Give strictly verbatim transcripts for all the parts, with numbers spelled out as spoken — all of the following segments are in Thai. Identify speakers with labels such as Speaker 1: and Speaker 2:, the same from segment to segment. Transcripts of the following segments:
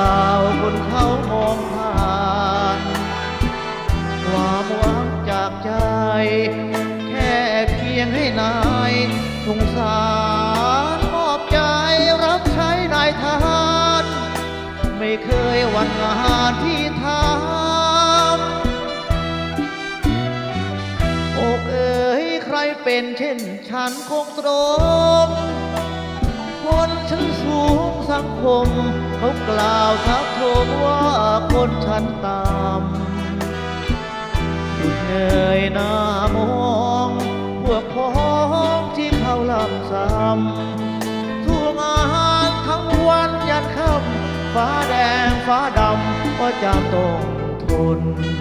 Speaker 1: าวคนเขามองผ่านความหวังจากใจแค่เพียงให้นายสงสารมอบใจรับใช้นายทหารไม่เคยหวั่นงานที่ทำอกเอ๋ยใครเป็นเช่นฉันคงตรงคนชั้นสูงสังคมเขากล่าวทักโทมว่าคนชั้นต่ำหยุดเหนื่อยหน้ามองพวกพ้องที่เขาลำซ้ำทุกอาหารทั้งวันยันค่ำฟ้าแดงฟ้าดำก็จำต้องทน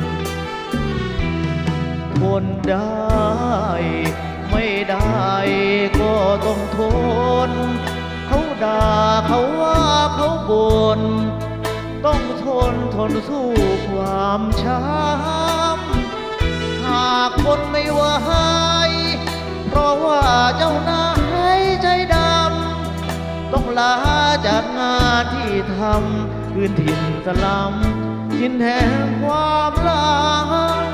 Speaker 1: ทนได้ไม่ได้ก็ต้องทนเขาด่าเขาว่าเขาบ่นต้องทนทนสู้ความช้ำหากคนไม่ไหวเพราะว่าเจ้านายใจดำต้องลาจากงานที่ทำพื้นถิ่นสลัมทินแห่งความลัง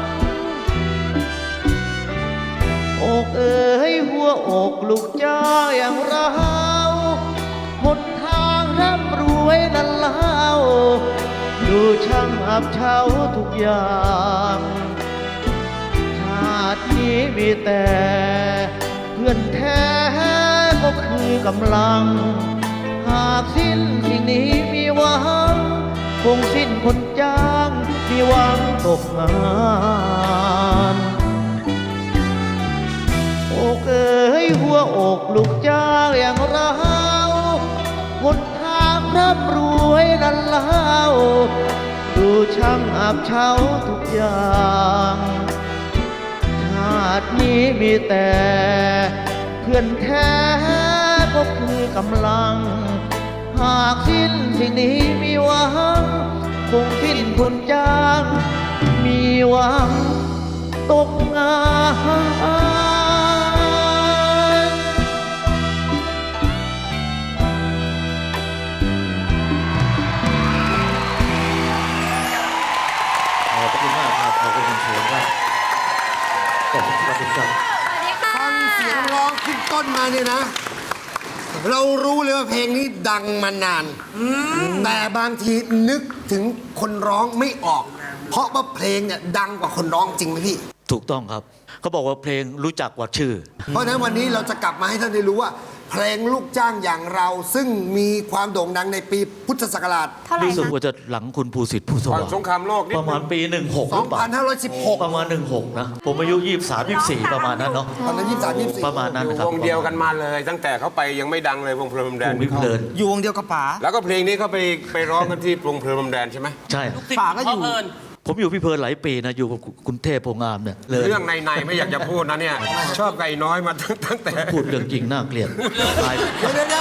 Speaker 1: อกเอ๋ยหัวอกลูกจ้าอย่างเราหนทางร่ำรวยนั้นเล่าดูช่างอับเฉาทุกอย่างชาตินี้มีแต่เพื่อนแท้ก็คือกำลังหากสิ้นสิ่งนี้มีหวังคงสิ้นคนจ้างมีหวังตกงานอกเอ๋ยหัวอกลูกจ้างอย่างเราหนทางร่ำรวยนั้นเล่าดูช่างอับเฉาทุกอย่างชาตินี้มีแต่เพื่อนแท้ก็คือกำลังหากสิ้นสิ่งนี้มีหวังคงสิ้นคนจ้างมีหวังตกงาน
Speaker 2: ขอบคุณมากครับขอบคุณคุณเฉลิมครับขอบคุณครับคุณครับ
Speaker 3: ฟังเสียงร้องขึ้นต้นมาเนี่ยนะ เรารู้เลยว่าเพลงนี้ดังมานานแต่บางทีนึกถึงคนร้องไม่ออก เพราะว่าเพลงเนี่ยดังกว่าคนร้องจริงไหมพี่
Speaker 2: ถูกต้องครับเขาบอกว่าเพลงรู้จักกว่าชื่อ
Speaker 3: เพราะฉะนั้นวันนี้เราจะกลับมาให้ท่านได้รู้ว่า เพลงลูกจ้างอย่างเราซึ่งมีความโด่งดังในปีพุทธศักราช
Speaker 2: รู้สึก
Speaker 4: เท่าไหร่นะ
Speaker 2: ว่าจะหลังคุณภูสิทธิ์ผู้ส
Speaker 5: ก่อน
Speaker 2: ว่าง
Speaker 5: สงครามโลกนิด
Speaker 2: ประมาณ
Speaker 5: นึง
Speaker 2: ปีหนึ่งหกหรือเปล่า
Speaker 3: สองพันห้าร้อยสิบหก
Speaker 2: ประมาณหนึ่งหกนะผมอายุยี่สิบสามยี่สิบสี่ประมาณนั้นเนาะ
Speaker 3: ตอนนั้นยี่สิบสามยี่สิบสี่
Speaker 2: ประมาณนั้น
Speaker 5: อยู่
Speaker 2: นะครับ
Speaker 5: วงเดียวกันมาเลย ตั้งแต่เขาไปยังไม่ดังเลยวงเพลินพรมแด
Speaker 2: ว
Speaker 5: น
Speaker 2: งวิเพลิน
Speaker 6: อยู่วงเดียวกับป๋า
Speaker 5: แล้วก็เพลงนี้เขาไปไปร้องกันที่วงเพลินพรมแดนใช่ไหม
Speaker 2: ใช่
Speaker 6: ป๋าก็อยู่
Speaker 2: ผมอยู่พิเพลินหลายปีนะอยู่กับคุณเทพโพงามเนี่ยเลย
Speaker 5: เรื่องในในๆไม่อยากจะพูดนะเนี่ย ชอบไก่น้อยมาตั้งตั้งแต่
Speaker 2: พูดเรื่องจริงน่าเกลียดตาย
Speaker 3: เดี๋ยวเดี๋ยวเดี๋ยว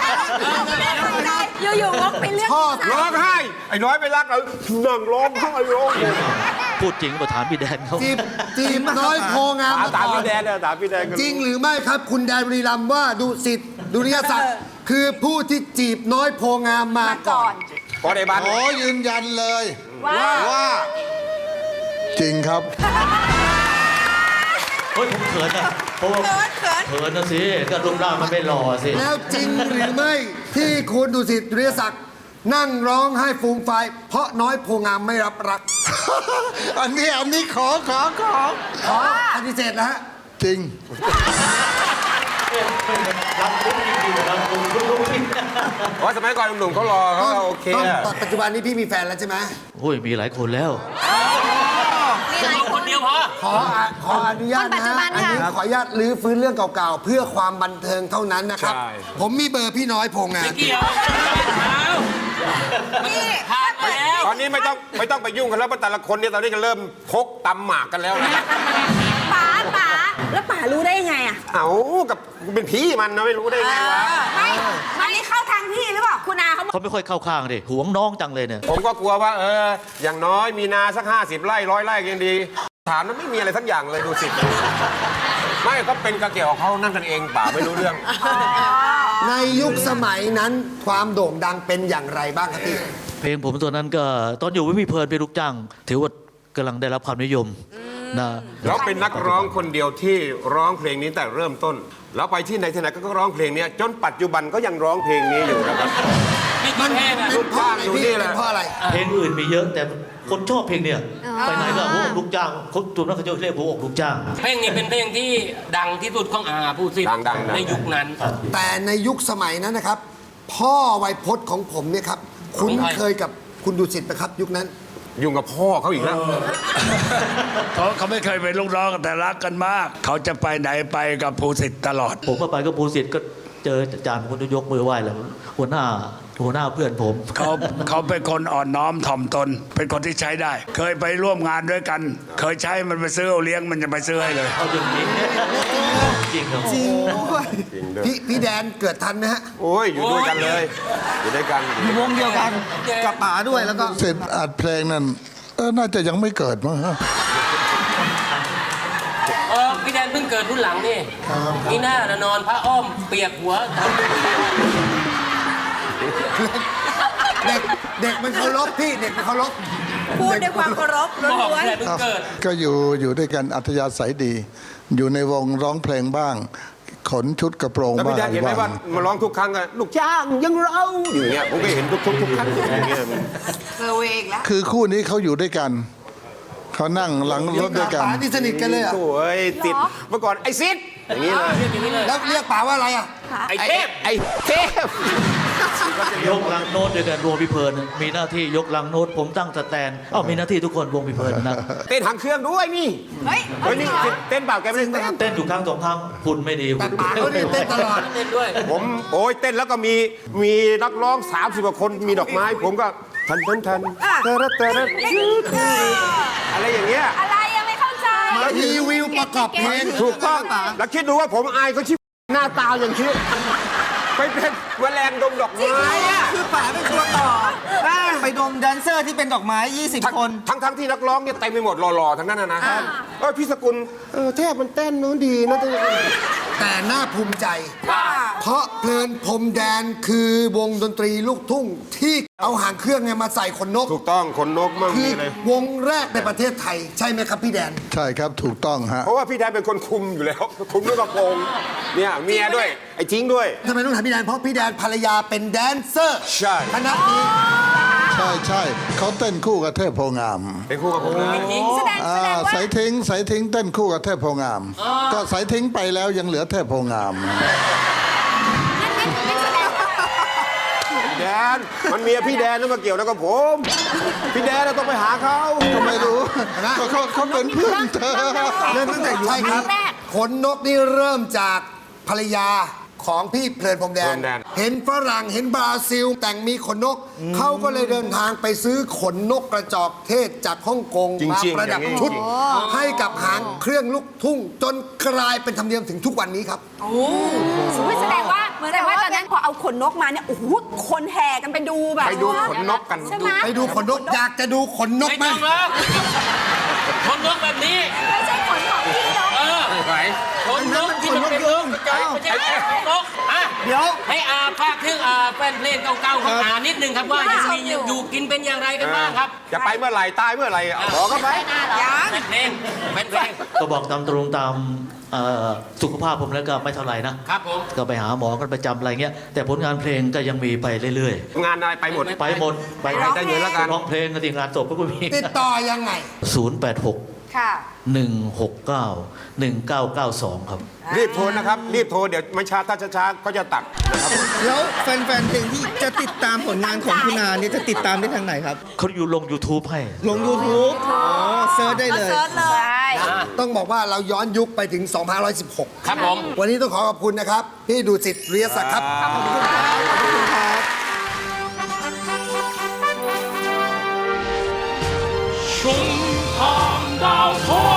Speaker 4: อยู่ๆวกไปเรื่อง
Speaker 3: ชอบ
Speaker 5: ร้องไห้ไอ้น้อยไปรักเรานั่งร้องไห้ร้อง
Speaker 2: พูดจริงมาถามพี่แดนเขา
Speaker 3: จีบจีบน้อยโพงาม
Speaker 5: ตาม
Speaker 3: มา
Speaker 5: ตาม
Speaker 3: ก่อน
Speaker 5: พี่แดนเนี่ยตามพี่แดนกัน
Speaker 3: จริงหรือไม่ครับคุณแดนบุรีรัมย์ว่าดุสิตดุริยศักดิ์คือผู้ที่จีบน้อยโพงามมาก่
Speaker 4: ก่
Speaker 3: อ
Speaker 4: อน น
Speaker 5: พอได้บ้าน
Speaker 7: ขอยืนยันเลย
Speaker 4: ว่า
Speaker 7: ว่าจริงครับ
Speaker 2: เฮ้ยผมเขินนะเพราะว่าเขินนะสิก็รูปร่างมันไม่หล่อสิ
Speaker 3: แล้วจริงหรือไม่ที่คุณดุสิตดุริยศักดิ์นั่งร้องไห้ฟูมไฟายเพราะน้อยโพงามไม่รับรัก
Speaker 7: อันนี้อันนี้ขอขอขอ
Speaker 3: ขอปฏิเสธนะฮะ
Speaker 7: จริง
Speaker 2: รักคุณจริงๆรักคุณรู้จริง
Speaker 5: เพราะสมัยก่อนหนุ่มๆเขารอเขาก็โอเค
Speaker 3: ต้อง
Speaker 5: อะ
Speaker 3: ปัจจุบันนี้พี่มีแฟนแล้วใช่ไหม
Speaker 2: โอ้ยมีหลายคนแล้ว
Speaker 4: มีหลายคนเดียวพอ
Speaker 3: ขออ่ะขออนุญาต
Speaker 4: คนปัจ
Speaker 3: นะ
Speaker 4: จุ
Speaker 3: ฮะ
Speaker 4: บัน
Speaker 3: อัน
Speaker 4: ค่ะ
Speaker 3: นี้ขออนุญาตรื้อฟื้นเรื่องเก่าๆ เพื่อความบันเทิงเท่านั้นนะครับ
Speaker 5: ใช่
Speaker 3: ผมมีเบอร์พี่น้อยโพงาม
Speaker 5: ตอนนี้ไม่ต้องไม่ต้องไปยุ่งกันแล้วเพราะแต่ละคนเนี่ยตอนนี้ก็เริ่มพกตำหมากกันแล้วนะ
Speaker 4: ป๋าป๋าแล้วป๋ารู้ได้ยังไงอ่ะ
Speaker 5: เอากับเป็นพี่มันนะไม่รู้ได้ไงวะ
Speaker 4: ไม่อันนี้เข้าทางพี่หรือเปล่าคุณอาเขาบอก
Speaker 2: เขาไม่ค่อยเข้าข้างดิหวงน้องจังเลยเนี่ย
Speaker 5: ผมก็กลัวว่าเอออย่างน้อยมีนาสักห้าสิบไร่ร้อยไร่ยังดี ถามนั้นไม่มีอะไรทั้งอย่างเลยดูสิ ไม่ก็เป็นกระเกี่ยวของเขานั่นกันเองป่าไม่รู้เรื่อง
Speaker 3: ในยุคสมัยนั้นความโด่งดังเป็นอย่างไรบ้างครับพี่
Speaker 1: เพลงผมตัวนั้นก็ตอนอยู่วิมีเพลินเป็นลูกจ้าง ถือว่ากำลังได้รับความนิยมนะ
Speaker 5: แล้วเป็นนักร้องคนเดียวที่ร้องเพลงนี้แต่เริ่มต้น แล้วไปที่ไหนที่ไหนก็ร้องเพลงนี้จนปัจจุบันก็ยังร้องเพลงนี้อยู่นะครับ
Speaker 3: มันเป็นเพราะอะไรพี่เป็นเพราะอะไร
Speaker 1: เพลงอื่นมีเยอะแต่คนชอบเพลงเนี่ยไปไหนก็หัวอกลูกจ้างคนตัวนั้นเขาจะเรียกหัวอกลูกจ้าง
Speaker 6: เพลงนี้เป็นเพลงที่ดังที่สุดของอาผู้สิทธิ์
Speaker 5: ดังดังดัง
Speaker 6: ในยุคนั้น
Speaker 3: แต่ในยุคสมัยนั้นนะครับ พ่อไวยพจน์ของผมเนี่ยครับคุ้นเคยกับคุณดุสิตไหมครับ ยุคนั้น
Speaker 5: ยุ่งกับพ่อเขาอีกแล้ว
Speaker 8: เขาเขาไม่เคยเป็นลูกน้องกันแต่รักกันมาก เขาจะไปไหนไปกับภูสิทธิ์ตลอด
Speaker 1: ผมก็ไปก็ภูสิทธิ์ก็เจออาจารย์คนยกมือไหว้แล้วหัวหน้าหัวหน้าเพื่อนผม
Speaker 8: เขาเขาเป็นคนอ่อนน้อมถ่อมตน เป็นคนที่ใช้ได้ เคยไปร่วมงานด้วยกัน เคยใช้มันไปซื้อเอาเลี้ยงมันจะไปซื้อให้เลย
Speaker 1: เอาอย่างนี้จริงครับ
Speaker 3: จริงด้วยพี่พี่แดนเกิดทันไหมฮะ
Speaker 5: โอ้ยอยู่ด้วยกันเลย อยู่ด้วยกันอยู่ด้วยกัน
Speaker 1: วงเดียวกันกับป๋าด้วยแล้วก็
Speaker 7: เสร็จอัดเพลงนั้นเออน่าจะยังไม่เกิดมั้งฮะ
Speaker 6: เออพี่แดนเพิ่งเกิดรุ่นหลังนี่นี่หน้าน่ะนอนพระอ้อมเปียกหัว
Speaker 3: เด็กเด็กมันเคารพพี่เด็กมันเคารพ
Speaker 4: พูดด้วยความเคารพ
Speaker 6: บอก
Speaker 4: ล้วน
Speaker 6: พี่แดนเพิ่งเกิด
Speaker 7: ก็อยู่อยู่ด้วยกันอัธยาศัยดี อยู่ในวงร้องเพลงบ้าง ขนชุดกระโปรง
Speaker 5: แล้ว
Speaker 7: บ้า
Speaker 5: พี่
Speaker 7: ง
Speaker 5: แดนเห็นไหมว่ามาร้องทุกครั้งอะลูกจ้างยังเราอยู่อย่างเงี้ยผมก็เห็นทุกทุกทุกครั้งอย่างเงี้ย
Speaker 4: ๆเซอร์เวย์อีกแล้ว
Speaker 7: คือคู่นี้เขาอยู่ด้วยกัน เขานั่งหลังรถด้วยกัน
Speaker 3: ป๋าที่สนิทกันเลยเหรอ
Speaker 5: โอ้ยติดเมื่อก่อนไอ้ซิดอย่างนี้เลย
Speaker 3: แล้วเรียกป๋าว่าอะไรอ่ะ
Speaker 5: ไอ้เทพไอ้เทพ
Speaker 1: ยกลังโน้ตด้วยกันวงพิเพลินมีหน้าที่ยกลังโน้ตผมตั้งสแตนเอ้ามีหน้าที่ทุกคนวงพิเพลินนะ
Speaker 5: เต้นหางเครื่องด้วยนี่
Speaker 4: เฮ้ย
Speaker 5: เฮ้ยนี่เต้นเปล่าแกไม่ได้เต้น
Speaker 1: เต้นอยู่ครั้งสองครั้งคุณไม่ดี
Speaker 3: แต่ป๋าเขาเนี่ยเต้นตลอด
Speaker 6: เต้นด้วย
Speaker 5: ผมโอ้ยเต้นแล้วก็มีมีนักร้องสามสิบกว่าคนมีดอกไม้ ผมก็ทันทันทันเตอร์เตอร์อะไรอย่างเงี้ย
Speaker 4: อะไรยังไม่เข้าใจ
Speaker 3: รีวิวประกอบเพลง
Speaker 5: ถูกต้องแล้วคิดดูว่าผมอายก็ชิบหน้าตาอย่างคิดไปเป็นแมลงดมดอกไม้อะ
Speaker 9: คือป๋าเป็นตัวต่อ ไปดมแดนเซอร์ที่เป็นดอกไม้ ยี่สิบ คน
Speaker 5: ทั้งทั้งที่นักร้องเนี่ยเต็มไปหมดหล่อๆทั้งนั้นนะนะเออพี่สกุลเออเทพมันเต้นนู้นดีนะ
Speaker 3: แต่น่าภูมิใจ เพราะเพลินพรมแดนคือวงดนตรีลูกทุ่งที่เอาหางเครื่องเนี่ยมาใส่ขนนก
Speaker 5: ถูกต้องขนนกมั่ง
Speaker 3: คื
Speaker 5: มี
Speaker 3: อ
Speaker 5: เลยว
Speaker 3: งแรกในประเทศไทย ใช่ไหมครับพี่แดน
Speaker 7: ใช่ครับถูกต้องฮะ
Speaker 5: เพราะว่าพี่แดนเป็นคนคุมอยู่แล้ว คุมด้วยกระโปรงเนี่ยเมียด้วยไอ้จริงด้วย
Speaker 3: ทำไมต้องถามพี่แดน เพราะพี่แดนภรรยาเป็นแดนเซอร์
Speaker 5: ใช่
Speaker 3: คณะนี้
Speaker 7: ใช่ใช่เขาเต้นคู่กับเทพโพงาม
Speaker 5: เป็นคู่กับผมเลย
Speaker 4: แสดง
Speaker 7: อ่า
Speaker 4: แสดงว่า
Speaker 7: สายทิ้งสายทิ้งเต้นคู่กับเทพโพงาม ก็สายทิ้งไปแล้วยังเหลือเทพโพงาม
Speaker 5: แดนมันเมียพี่แดนนั่นมาเกี่ยวแล้วกับผมพี่แดนเราต้องไปหาเขา
Speaker 7: ก็ไม่รู้ก็เขาเขาเป็นเพื่อนเธอ
Speaker 3: เริ่มตั้งแต่ยุคครับขนนกนี่เริ่มจากภรรยาของพี่เพลินพรมแดน เห็นฝรั่งเห็นบราซิล แต่งมีขนนก เขาก็เลยเดินทางไปซื้อขนนกกระจอกเทศจากฮ่องกงมาประดับชุด ให้กับหางเครื่องลูกทุ่ง จนกลายเป็นธรรมเนียมถึงทุกวันนี้ครับ
Speaker 4: แสดงว่าแสดงว่าตอนนั้นพอเอาขนนกมาเนี่ย โอ้โห คนแห่กันไปดูแบบ
Speaker 5: ไปดูขนนกกัน
Speaker 4: ใช่ไหม
Speaker 3: ไปดูขนนกอยากจะดูขนนก
Speaker 6: ไม่
Speaker 3: ไหม
Speaker 6: ต้องแล้วคนนกแบบนี้
Speaker 4: ไม่ใช่ขนของพี่นก
Speaker 6: เออ
Speaker 5: ไหน
Speaker 6: คนนกที่มันเป็นนกกระจอกไม่ใช่คนนกอ่ะ
Speaker 9: เดี๋ยว
Speaker 6: ให้อาภาคถึงอาแฟนเพลงเก่าๆของอานิดนึงครับว่ายังมีอยู่กินเป็นอย่างไรกันบ้างครับ
Speaker 5: จะไปเมื่อไหร่ตายเมื่อไหร่เอาบอกเขาไป
Speaker 6: แฟนเพลงแฟนเพลง
Speaker 1: ก็บอกตามตรงตามเอ่อสุขภาพผมแล้วก็ไม่เท่าไหร่นะครับ
Speaker 6: ผม
Speaker 1: ก็ไปหาหมอกันประจำอะไรเงี้ยแต่ผลงานเพลงก็ยังมีไปเรื่อย
Speaker 5: งานอะไรไปหมด
Speaker 1: ๆ ไปหมดไป
Speaker 5: ไปได้เงินแล้วกัน
Speaker 1: ร้องเพลงก็ทีงานศพก็มี
Speaker 3: ติดต่อยังไง
Speaker 1: ศูนย์แปดหก
Speaker 4: ค่ะ
Speaker 1: หนึ่งหกเก้าหนึ่งเก้าเก้าสองครับ
Speaker 5: รีบโทรนะครับ รีบโทรเดี๋ยวไม่ช้าถ้าช้าๆก็จะตัดนะครับ
Speaker 9: แล้วแฟนๆเพลงที่จะติดตามผลงานของคุณอาเนี่ยจะติดตามได้ทางไหนครับ
Speaker 1: เขาอยู่ลง YouTube ให้
Speaker 9: ลง YouTube อ๋อเซิร์ชได้เลย
Speaker 4: เซิร์ชเลย
Speaker 3: ต้องบอกว่าเราย้อนยุคไปถึง สองพันห้าร้อยสิบหก
Speaker 6: ครับผม
Speaker 3: วันนี้ต้องขอขอบคุณนะครับ พี่ดูสิทธิ์เรียศักดิ์ครับ
Speaker 6: ชุมทางดาวทอง